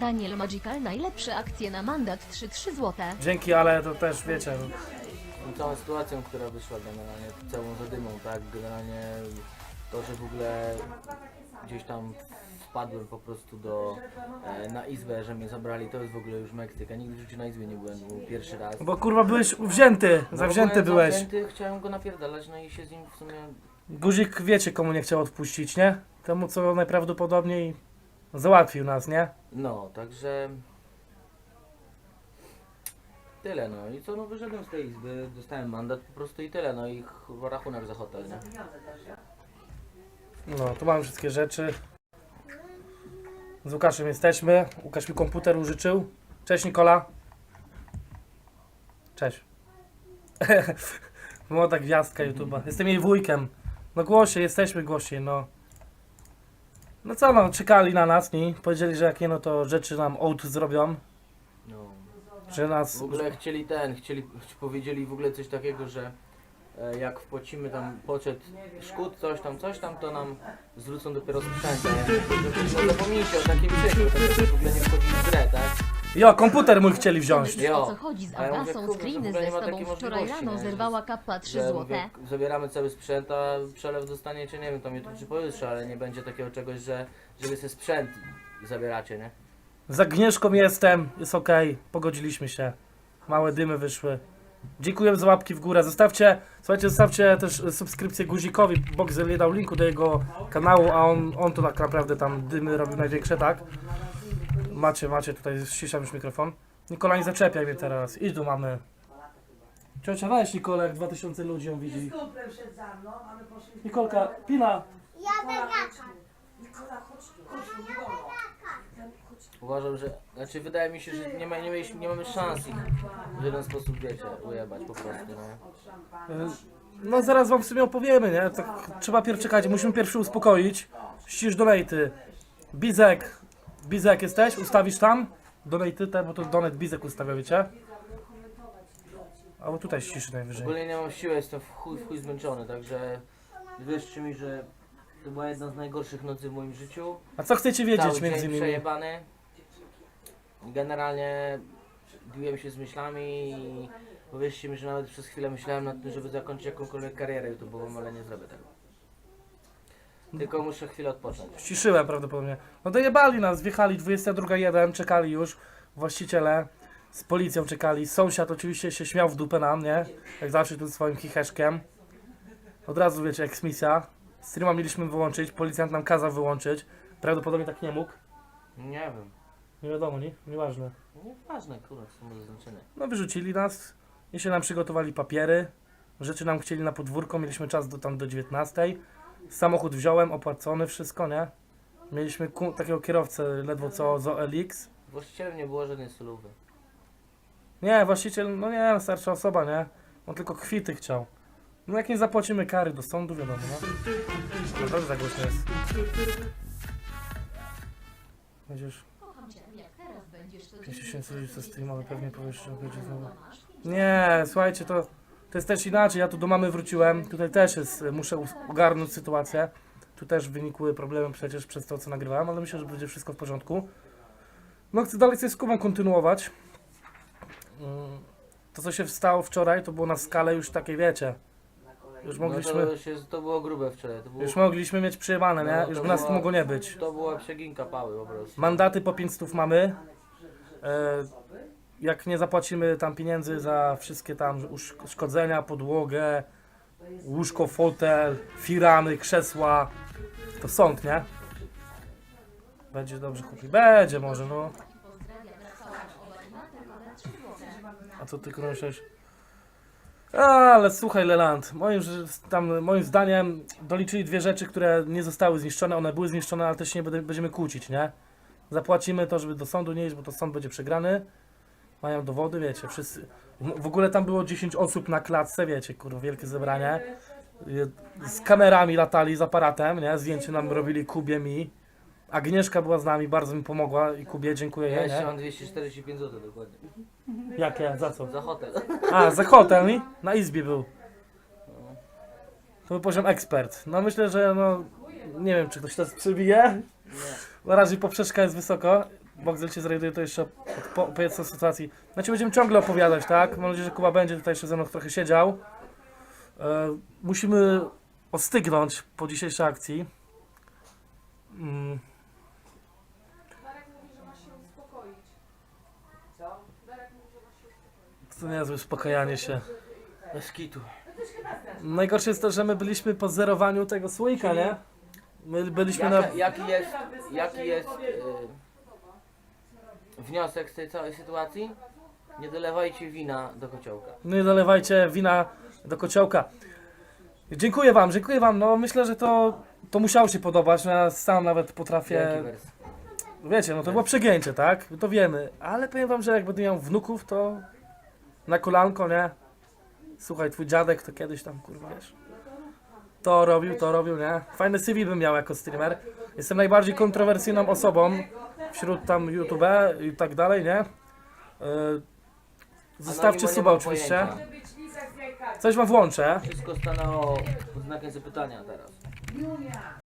Daniel Magical, najlepsze akcje na mandat 3 zł. Dzięki, ale to też wiecie. Całą sytuacją, która wyszła generalnie, całą zadymą, tak? Generalnie to, że w ogóle gdzieś tam wpadłem po prostu na izbę, że mnie zabrali, to jest w ogóle już Meksyk. Ja nigdy w życiu na izbie nie byłem, był pierwszy raz. Bo kurwa byłeś wzięty, zawzięty byłeś. Zawzięty, chciałem go napierdalać, no i się z nim w sumie... Guzik wiecie komu nie chciał odpuścić, nie? Temu co najprawdopodobniej załatwił nas, nie? No, także... Tyle, no i co, no wyszedłem z tej izby, dostałem mandat po prostu i tyle, no i rachunek za hotel, nie? No, tu mamy wszystkie rzeczy. Z Łukaszem jesteśmy. Łukasz mi komputer użyczył. Cześć Nikola. Cześć. Młoda gwiazdka YouTube'a. Jestem jej wujkiem. No głosie, jesteśmy głosie, no. No co no, czekali na nas, nie? Powiedzieli, że jakie no to rzeczy nam ołd zrobią. No. Że nas... W ogóle powiedzieli w ogóle coś takiego, że jak wpłacimy tam poczet szkód, coś tam, to nam zwrócą dopiero sprzęt. No zapomnijcie o takim rzeczy, to w ogóle nie wchodzi w grę, tak? Jo, komputer mój chcieli wziąć. Wiesz, o co chodzi z A ja mówię, Agasą? kurwa, Screeny że w ogóle ze nie ma tobą takiej wczoraj możliwości, rano nie? zerwała kappa 3 Że zł. mówię, zabieramy cały sprzęt, a przelew dostaniecie, nie wiem, tam jutro czy pojutrze, ale nie będzie takiego czegoś, że wy sobie sprzęt zabieracie, nie? Z Agnieszką jestem, jest okej, pogodziliśmy się. Małe dymy wyszły. Dziękuję za łapki w górę. Słuchajcie, zostawcie też subskrypcję Guzikowi. Boxer nie dał linku do jego kanału, a on to tak naprawdę tam dymy robił największe, tak? Macie tutaj, ściszam już mikrofon. Nikola, nie zaczepiaj mnie teraz. Idź tu mamy. Ciocia, weź Nikolę, jak 2000 ludzi ją widzi. Nikolka, Pina. Uważam, że, znaczy wydaje mi się, że nie mamy szans ich w żaden sposób, wiecie, ujebać po prostu, nie? No zaraz wam w sumie opowiemy, nie? Tak, trzeba pierw czekać, musimy pierwszy uspokoić. Ścisz donaty. Bizek jesteś? Ustawisz tam? Donaty te, bo to donet Bizek ustawia, wiecie? Albo tutaj ściszy najwyżej. Ogólnie nie mam siły, jestem w chuj zmęczony, także wierzcie mi, że to była jedna z najgorszych nocy w moim życiu. A co chcecie wiedzieć Cały między dzień innymi? przejebany. Generalnie biłem się z myślami i powiedzcie mi, że nawet przez chwilę myślałem nad tym, żeby zakończyć jakąkolwiek karierę YouTube'ową, ale nie zrobię tego. Tylko muszę chwilę odpocząć. Ściszyłem prawdopodobnie. No dojebali nas, wjechali 22:01, czekali już właściciele. Z policją czekali. Sąsiad oczywiście się śmiał w dupę nam, nie? Jak zawsze tu swoim chicheszkiem. Od razu wiecie, eksmisja. Streama mieliśmy wyłączyć, policjant nam kazał wyłączyć. Prawdopodobnie tak nie mógł. Nie wiem. Nie wiadomo, nie? Nieważne. Nieważne, kurwa, co są zaznaczone. No wyrzucili nas. Jeszcze nam przygotowali papiery. Rzeczy nam chcieli na podwórko, mieliśmy czas tam do 19:00. Samochód wziąłem, opłacony, wszystko, nie? Mieliśmy takiego kierowcę ledwo co z OLX. Właścicielem nie było żadnej solówy. Nie, właściciel, no nie, starsza osoba, nie? On tylko kwity chciał. No jak nie zapłacimy kary do sądu, wiadomo, no. No dobrze, za głośno jest. Będziesz... 5000 ludzi co streamowy, pewnie powiesz, że będzie znowu... Nie, słuchajcie, to jest też inaczej. Ja tu do mamy wróciłem. Tutaj też jest, muszę ogarnąć sytuację. Tu też wynikły problemy przecież przez to, co nagrywałem, ale myślę, że będzie wszystko w porządku. No chcę dalej z Kubą kontynuować. To, co się stało wczoraj, to było na skalę już takiej, wiecie. Już mogliśmy, No to było grube wczoraj. To było, już mogliśmy mieć przejebane, nie? No, Już to by nas tu była- mogło nie być. to była przeginka pały po prostu. Mandaty po 500 mamy. Jak nie zapłacimy tam pieniędzy za wszystkie tam uszkodzenia, podłogę, łóżko, fotel, firamy, krzesła, to sąd, nie? Będzie dobrze, chłopi. Będzie może, no. A co ty krążysz? Ale słuchaj, Leland, moim zdaniem doliczyli dwie rzeczy, które nie zostały zniszczone. One były zniszczone, ale też się nie będziemy kłócić, nie? Zapłacimy to, żeby do sądu nie iść, bo to sąd będzie przegrany. Mają dowody, wiecie, wszyscy. W ogóle tam było 10 osób na klatce, wiecie, kurwa, wielkie zebranie. Z kamerami latali, z aparatem, nie? Zdjęcie nam robili Kubie, mi. Agnieszka była z nami, bardzo mi pomogła i Kubie, dziękuję Ja jej, jeszcze nie? mam 245 zł dokładnie. Jakie? Za co? Za hotel. A, za hotel, nie? Na izbie był. To był poziom ekspert. No myślę, że no... Nie wiem, czy ktoś to przebije. Nie. Na razie poprzeczka jest wysoko. Boxel cię zrajduje, to jeszcze opowiedz o sytuacji. Znaczy będziemy ciągle opowiadać, tak? Mam nadzieję, że Kuba będzie tutaj jeszcze ze mną trochę siedział. Musimy ostygnąć po dzisiejszej akcji. Darek mówi, że masz się uspokoić. Co? Darek mówi, że masz się uspokoić. To niezłe uspokajanie się. Bez kitu. Najgorsze jest to, że my byliśmy po zerowaniu tego słoika, nie? My byliśmy na... Jaki jest wniosek z tej całej sytuacji? Nie dolewajcie wina do kociołka. Nie dolewajcie wina do kociołka. Dziękuję wam. No myślę, że to musiało się podobać. No, ja sam nawet potrafię... Wielki wers. Wiecie, no to było przegięcie, tak? To wiemy. Ale powiem wam, że jak będę miał wnuków, to na kolanko, nie? Słuchaj, twój dziadek to kiedyś tam, kurwa, wiesz. To robił, nie? Fajny CV bym miał jako streamer. Jestem najbardziej kontrowersyjną osobą wśród tam YouTube i tak dalej, nie? Zostawcie Anonimo nie suba mam oczywiście. pojęcia. Coś wam włączę. Wszystko stanęło pod znakiem zapytania teraz.